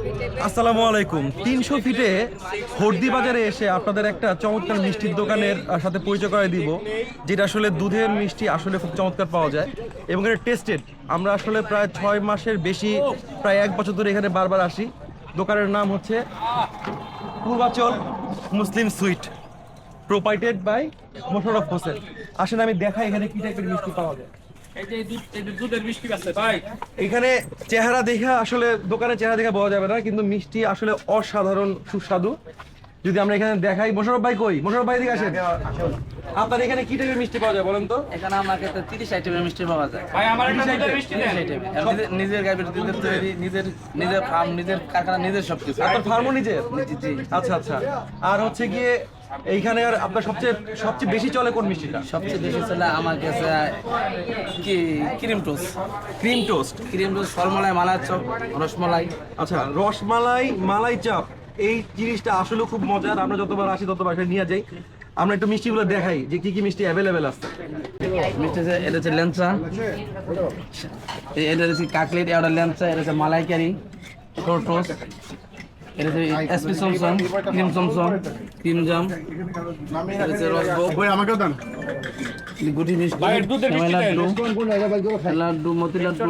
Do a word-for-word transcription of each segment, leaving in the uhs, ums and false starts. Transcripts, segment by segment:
আসসালামু আলাইকুম। তিনশো ফিটে হর্দি বাজারে এসে আপনাদের একটা চমৎকার মিষ্টির দোকানের সাথে পরিচয় করে দিব, যেটা আসলে দুধের মিষ্টি আসলে খুব চমৎকার পাওয়া যায় এবং এটা টেস্টেড। আমরা আসলে প্রায় ছয় মাসের বেশি, প্রায় এক বছর ধরে এখানে বারবার আসি। দোকানের নাম হচ্ছে Purbachal Muslim sweet, proprietor by Mosharraf Hossain. আসেন আমি দেখাই এখানে কি টাইপের মিষ্টি পাওয়া যায়। এখানে চেহারা দেখা আসলে দোকানের চেহারা দেখা পাওয়া যাবে না, কিন্তু মিষ্টি আসলে অসাধারণ সুস্বাদু। যদি আমরা এখানে দেখাই, মোশাররফ ভাই কই? মোশাররফ ভাই দিকে আসেন। আপনার এখানে কি টাইপের মিষ্টি পাওয়া যায় বলেন তো? এখানে আমাকে তো তিরিশ আইটেমের মিষ্টি পাওয়া যায়। ভাই আমার একটা দুধের মিষ্টি দেন। নিজের- নিজের গাইবের দুধের তৈরি, নিজের নিজের ফার্ম, নিজের কারখানা, নিজের সবকিছু। আপনার ফার্মও নিজের? জি জি। আচ্ছা আচ্ছা। আর হচ্ছে গিয়ে এইখানে আর আপনার সবচেয়ে সবচেয়ে বেশি চলে কোন মিষ্টিটা? সবচেয়ে বেশি চলে আমার কাছে কি cream toast. Cream toast. Cream toast, ফলমালাই, মালাই চপ, রসমালাই। আচ্ছা, রসমালাই, মালাই চাপ, এই জিনিসটা আসলে খুব মজার। আমরা যতবার আসি ততবার এখানে নিয়ে যাই। আমরা একটু মিষ্টিগুলো দেখাই যে কি কি মিষ্টি অ্যাভেলেবেল আছে। মিষ্টি আছে, এটা হচ্ছে ল্যাংচা, এটা হচ্ছে কাকলেট, এটা ল্যাংচা, এটা হচ্ছে মালাইকারি, টোস্ট, এটা হচ্ছে SP chamcham, cream chamcham, cream জাম, এটা হচ্ছে রসভোগ, আমাকেও দেন। গুটি মিষ্টি, ভাই, দুধের মিষ্টি সেমাই দেন। লাড্ডু, লাড্ডু, মতি লাড্ডু,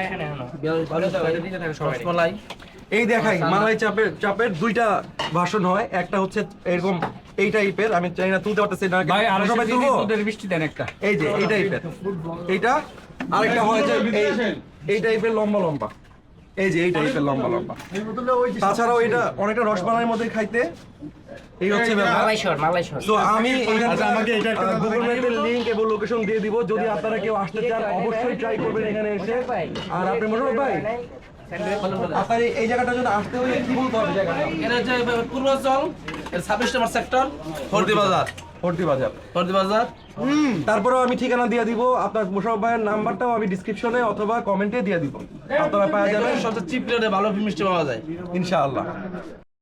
রসমালাই। এই দেখাই মালাই চাপের চাপের দুইটা ভার্সন হয়। একটা হচ্ছে এরকম এই টাইপের, আমি চাই না তুলতে পারতেছি না, ভাই আর সবাই তুলবো। দুধের মিষ্টি দেন একটা। এই যে এই টাইপের এইটা, আরেকটা হয় যে এই- এই টাইপের লম্বা লম্বা, এই যে এই টাইপের লম্বা লম্বা। তাছাড়াও এটা অনেকটা রসমালাইয়ের মধ্যে খাইতে। এই হচ্ছে ব্যাপার। তো আমি এখানে আমাকে এটা একটা গুগল ম্যাপের লিংক এবং লোকেশন দিয়ে দিব। যদি আপনারা কেউ আসতে চান অবশ্যই ট্রাই করবেন এখানে এসে। আর আপনি মোশাররফ ভাই, আপনার এই- এই জায়গাটা যদি আসতে হলে কি বলতে হবে জায়গাটা? এটা হচ্ছে পূর্বাচল, এর ছাব্বিশ নম্বর সেক্টর, হরদি বাজার। হর্দি বাজার। হরদি বাজার। তারপরেও আমি ঠিকানা দিয়ে দিব, আপনার মোশাররফ ভাইয়ের নাম্বারটাও আমি ডিসক্রিপশনে অথবা কমেন্টে দিয়ে দিব, আপনারা পাওয়া যাবেন সবচেয়ে চিপ রেটে ভালো মিষ্টি পাওয়া যায়। ইনশাআল্লাহ।